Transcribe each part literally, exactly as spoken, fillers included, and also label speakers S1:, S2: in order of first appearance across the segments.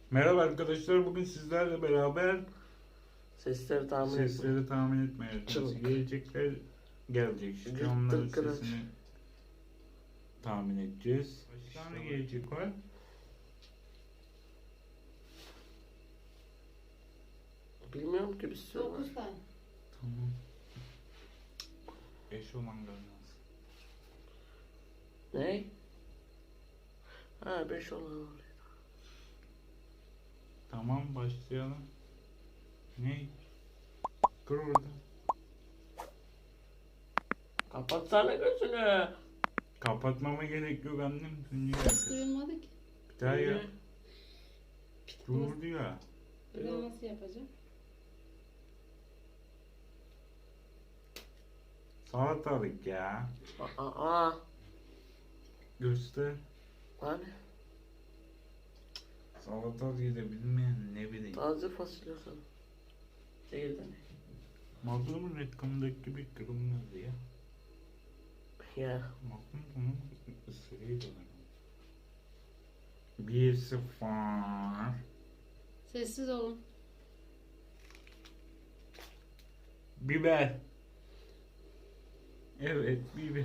S1: Merhaba arkadaşlar, bugün sizlerle beraber
S2: Sesleri tahmin etme.
S1: sesleri tahmin etmeye çalışacağız.
S2: Çabuk.
S1: Gelecekler gelecek işte
S2: Cırt
S1: onların
S2: tırt kıraç.
S1: sesini tahmin edeceğiz. Kaç tane gelecek var?
S2: Bilmiyorum ki bir sürü var.
S3: Dokuz tane.
S1: Tamam. Beş olan gelmez.
S2: Ne? Ha beş olan var.
S1: Tamam, başlayalım. Ne? Dur orada.
S2: Kapatsana gözünü.
S1: Kapatmama gerek yok annem. Dünya
S3: Hiç duyulmadı ki.
S1: Bir daha ya.
S2: Niye?
S1: Durdu ya.
S3: Bir daha nasıl yapacağım?
S1: Salatalık ya.
S2: Aa, aa.
S1: Göster.
S2: Hani?
S1: Salatalığı da bilmeyen ne bileyim.
S2: Taze fasulye sana. Değil de ne?
S1: Magnum'un reklamındaki gibi kırılmaz ya.
S2: Ya.
S1: Magnum bunun ısırıydı. Bir sıfır.
S3: Sessiz olun.
S1: Biber. Evet, biber.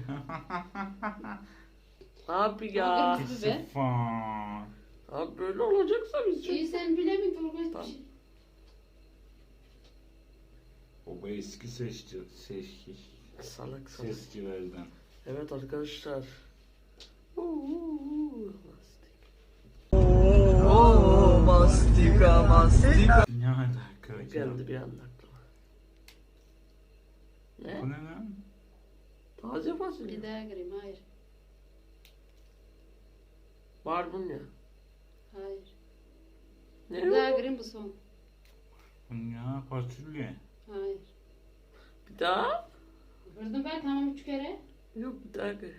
S2: Abi ya.
S3: Abi.
S1: Bir
S3: Biber.
S1: sıfır.
S2: Abi böyle olacaksa biz
S3: İyi sen bilemedin Tolga hiçbir
S2: Tamam.
S3: şey.
S1: Baba eski sesçi, sesçi,
S2: Salak salak.
S1: sesçilerden.
S2: Evet arkadaşlar. Uuu.
S4: Oo, mastika mastika.
S1: Ne alaka?
S2: Geldi bir anda aklıma.
S1: Bu
S2: Ne?
S1: ne lan?
S2: Taze fasulye.
S3: Bir daha gireyim. Hayır.
S2: Var bunun ya.
S3: Hayır.
S2: Ne
S3: Bir daha
S2: o?
S3: gireyim bu son.
S1: Bu ne? Fasulye.
S3: Hayır.
S2: Bir daha?
S3: Gördüm ben tamam üç kere.
S2: Yok bir daha gel.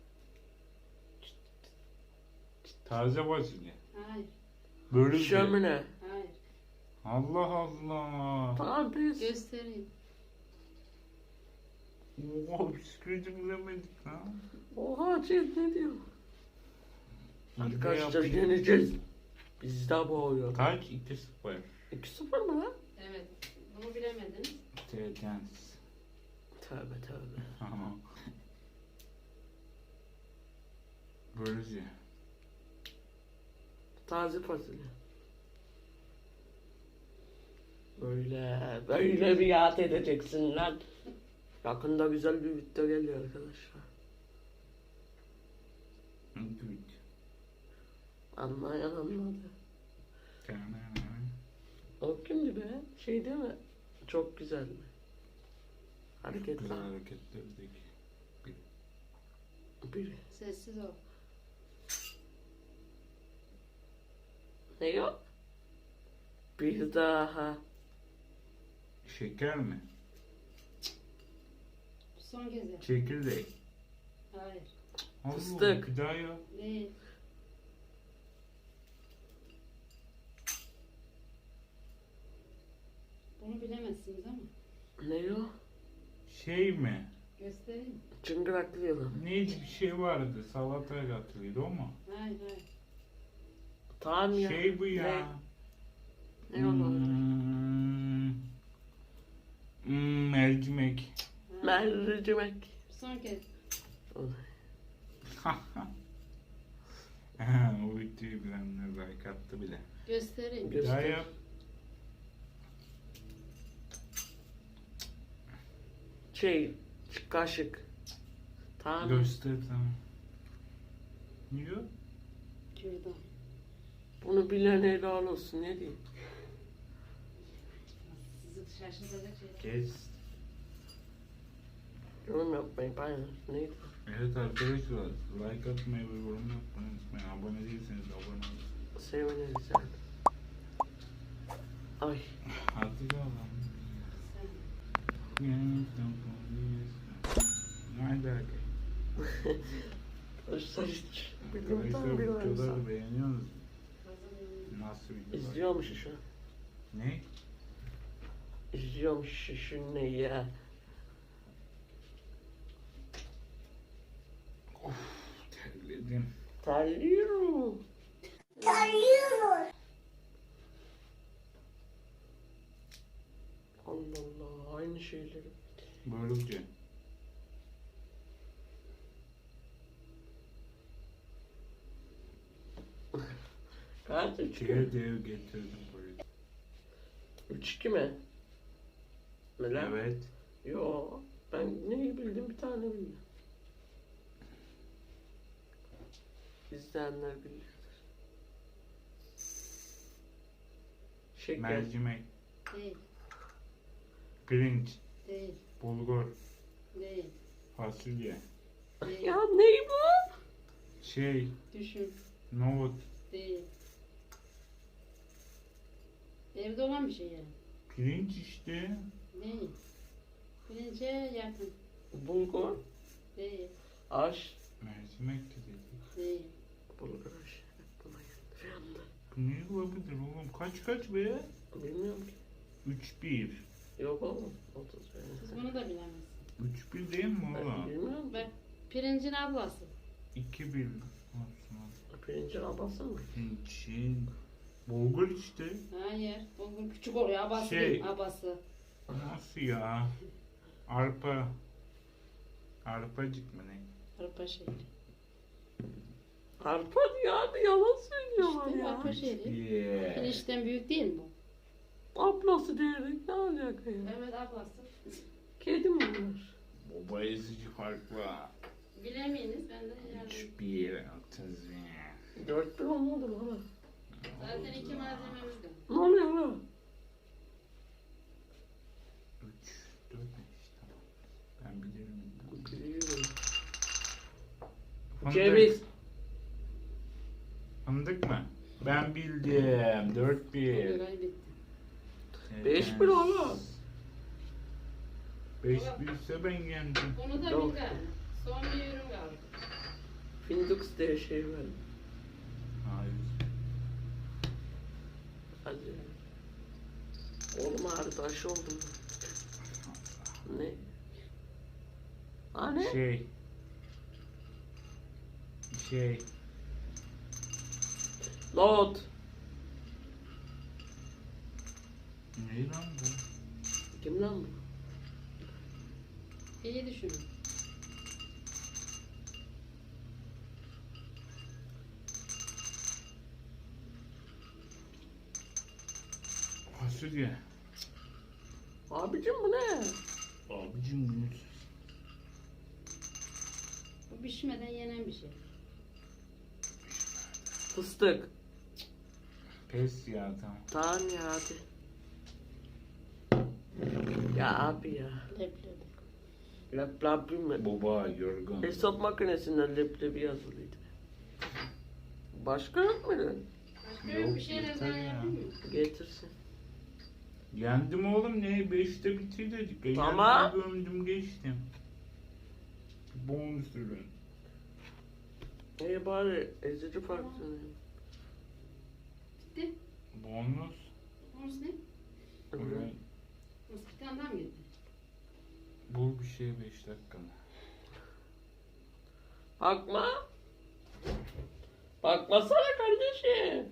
S1: Taze fasulye.
S3: Hayır.
S1: Böyle bir şey.
S2: Şömine.
S3: Hayır.
S1: Allah Allah.
S2: Tamam biz.
S3: Göstereyim.
S1: Oha, bisküviti bilemedik lan.
S2: Oha Cem ne diyor?
S1: İyi de
S2: Arkadaşlar
S1: yapayım.
S2: yeneceğiz. Biz de boğuyor.
S1: Kaç? iki sıfır.
S2: iki sıfır mı lan?
S3: Evet. Bunu bilemediniz.
S1: Tedens.
S2: Tövbe tövbe.
S1: Böylece.
S2: Taze fasulye. Böyle, böyle bir yat edeceksin lan. Yakında güzel bir video geliyor arkadaşlar.
S1: Good.
S2: Anlayan anladı. O kimdi be? Şey değil mi? Çok güzel mi? Hareketler.
S1: Güzel hareketlerdeki.
S2: Biri.
S3: Sessiz ol.
S2: Ne yok? Bir daha.
S1: Şeker mi?
S3: Son kez yap.
S1: Çekirdek.
S3: Hayır.
S1: Allah,
S2: Fıstık.
S1: Bir daha yap.
S3: Değil. Bunu bilemezsiniz ama.
S2: Ne yok?
S1: Şey mi?
S3: Göstereyim.
S2: Çıngıraklı yılan.
S1: Neydi bir şey vardı. Salataya katılıyordu o mu?
S3: Hayır hayır.
S2: Tamam ya.
S1: Şey bu ya.
S2: Ne, ne oldu?
S1: Hmm, hmm, mercimek.
S3: Hayır.
S2: Mercimek.
S3: Son kez.
S1: Ha, o videoyu bilenler like attı bile.
S3: Göstereyim.
S1: Bir daha
S2: Göster.
S1: yap.
S2: Şey, kaşık. Tamam.
S1: Göster tamam. Ne diyor?
S3: Kürdan.
S2: Bunu bilen helal olsun ne diyeyim.
S3: Sizi şaşırtacak şeyler.
S1: Kes.
S2: Yorum yapmayın paylaş. Neydi?
S1: Evet arkadaşlar, like atmayı ve yorum yapmayı unutmayın. Abone değilseniz de abone olun.
S2: Seviniriz yani. Ay.
S1: Hadi bakalım.
S3: Sen.
S1: Nerede arkadaşlar?
S2: Arkadaşlar hiç bilmiyorum
S1: Arkadaşlar
S2: tam bir
S1: videoları beğeniyorsunuz.
S3: Kazanıyorum.
S1: Nasıl videolar?
S2: İzliyormuş şu an.
S1: Ne?
S2: İzliyormuş şu ne ya.
S1: Of, terledim.
S2: Terliyorum.
S5: Terliyorum.
S2: şeyleri.
S1: Börülce.
S2: Kaç üç
S1: Şeye
S2: mü?
S1: dev getirdim buraya.
S2: Üç iki mi? Ne lan?
S1: Evet.
S2: Yo. Ben neyi bildim bir tane bildim. İzleyenler bilir. Şeker.
S1: Mercimek.
S3: Değil.
S1: Pirinç.
S3: Değil.
S1: Bulgur.
S3: Değil.
S1: Fasulye.
S3: Değil.
S2: Ya ney bu?
S1: Şey.
S3: Düşün.
S1: Nohut.
S3: Değil. Evde olan bir şey yani.
S1: Pirinç işte.
S3: Değil. Pirince yakın.
S2: Bulgur.
S3: Değil.
S2: Aş.
S1: Mercimek de dedik.
S3: Değil.
S2: Bulgur aş. Buna geldi bir anda.
S1: Bu ne olabilir oğlum? Kaç kaç be?
S2: Bilmiyorum ki.
S1: üç bir.
S2: Yok oğlum. otuz
S3: Siz bunu da bilemezsiniz.
S1: üç bir değil mi
S2: Ben
S1: oğlum?
S2: bilmiyorum.
S3: Bak pirincin ablası.
S1: iki bir. Olsun.
S2: Pirincin abası mı?
S1: Pirinçin. Bulgur işte.
S3: Hayır. Bulgur küçük oluyor. Abası
S1: Şey.
S3: değil. Abası.
S1: Nasıl ya? Arpa. Arpacık mı ne?
S3: Arpa şehri.
S2: Arpa yani yalan söylüyorlar
S3: İşte
S2: ya.
S3: arpa şehri.
S1: Yeah.
S3: Pirinçten büyük değil mi bu?
S2: Ablası diyerek ne alaka ya?
S3: Evet ablası.
S2: Kedi mi bunlar?
S1: Baba ezici farklı.
S3: Bilemeyiniz ben de yardım.
S1: üç bir. otuz bir.
S2: Dört bir olmadı mı ama?
S3: Zaten iki malzememiz de.
S2: Ne oluyor lan?
S1: üç, dört, beş. Tamam. Ben bilirim.
S2: Biliyorum.
S1: Fındık.
S2: Ceviz.
S1: Fındık mı? Ben bildim. dört bir.
S3: Kaybettim.
S2: Beş bir oğlum.
S1: beş bir ise ben yendim.
S3: Bunu da
S2: Yok.
S3: bil galiba. Son bir ürün kaldı.
S2: Findux diye şey var.
S1: Hayır.
S2: Hadi. Oğlum ağrıdı aşı oldum ben. Ne? Ha ne?
S1: Şey. Şey.
S2: Lot.
S1: Ne lan bu?
S2: Kim lan bu?
S3: İyi düşünün.
S1: Fasulye.
S2: Abicim bu ne?
S1: Abicim bunu
S3: Bu pişmeden yenen bir şey.
S2: Fıstık.
S1: pes ya tamam.
S2: Tamam ya hadi. Ya abi ya.
S3: Leblebi.
S2: Leblebi mi?
S1: Baba yorgun.
S2: Hesap makinesinden leblebi yazılıydı. Başka yok muydu?
S3: Başka
S1: Yok,
S3: bir şeyler
S1: yeter
S3: daha
S1: ya.
S3: yapayım mı?
S2: Getirsin.
S1: Yendim oğlum ne? Beşte bitir dedik. E,
S2: Tamam.
S1: yendim, gömdüm geçtim. Bonus ürün.
S2: İyi bari ezici farklı.
S3: Bitti.
S1: Bonus.
S3: Bonus ne?
S1: Ürün.
S3: Bonus bir tane daha mı gitti?
S1: Bul bir şey beş dakikada.
S2: Bakma. Bakmasana kardeşim.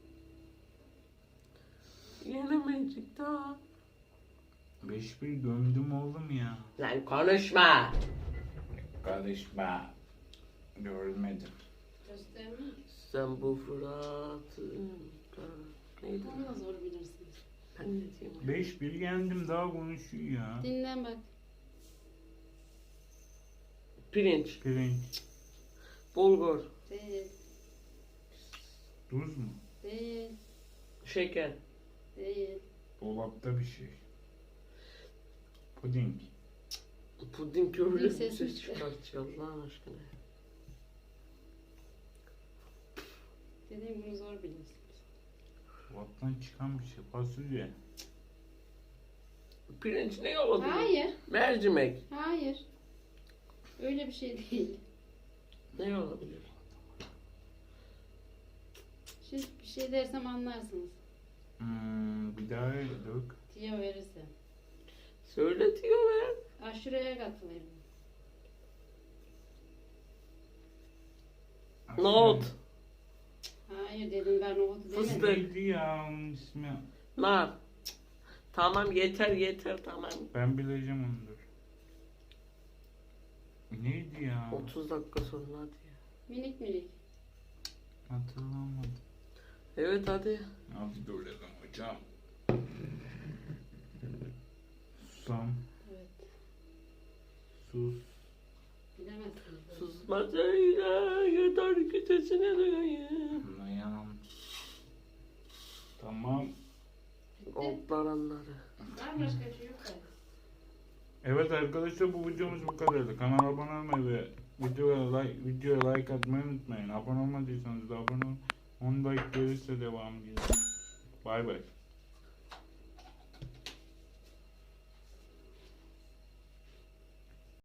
S2: Yenemeyecek daha.
S1: beş bir gömdüm oğlum ya.
S2: Lan konuşma.
S1: Karışma. Görmedim.
S3: Göstermiyor.
S2: Sen bu Fırat'ın... Neydi?
S3: Onu da zor bilirsiniz.
S2: Ben ne diyeyim?
S1: beş bir yendim daha konuşuyor ya.
S3: Dinlen bak.
S2: Pirinç,
S1: Pirinç.
S2: bulgur,
S3: Değil.
S1: Tuz mu?
S3: Değil.
S2: şeker,
S3: Değil.
S1: Dolapta bir şey. Puding.
S2: puding öyle
S3: Bir
S2: bir
S3: ses
S2: ses
S3: çıkar.
S2: çıkartıyor Allah'ın aşkına.
S3: Dediğim bunu zor bilirsiniz.
S1: Dolaptan çıkan bir şey. Fasulye.
S2: Pirinç ne olabilir?
S3: Hayır.
S2: Mercimek.
S3: Hayır. Öyle bir şey değil.
S2: Ne olabilir?
S3: Şimdi bir şey dersem anlarsınız.
S1: Hmm, bir daha dök.
S3: Tiyo verirse.
S2: Söyle diyor be.
S3: Aşureye katılayım.
S2: Nohut,
S3: Hayır dedim ben nohutu
S2: Fıstık.
S3: demedim.
S1: Neydi ya onun ismi?
S2: nar, Tamam yeter yeter tamam.
S1: Ben bileceğim onu dur. Neydi ya?
S2: otuz dakika sonra hadi ya.
S3: Minik minik.
S1: Hatırlamadım.
S2: Evet hadi.
S1: Hadi durduralım hocam. Susam.
S3: Evet.
S1: Sus.
S3: Bilemezsiniz. böyle.
S2: Susma söyle yeter ki sesini duyayım.
S1: Dayan. Tamam.
S3: Bitti.
S2: Otlar anları.
S3: Var mı başka bir şey yok da?
S1: Evet arkadaşlar bu videomuz bu kadardı. Kanala abone olmayı ve videoya like, videoya like atmayı unutmayın. Abone olmadıysanız da abone olun. on like gelirse devam gelir. Bay bay.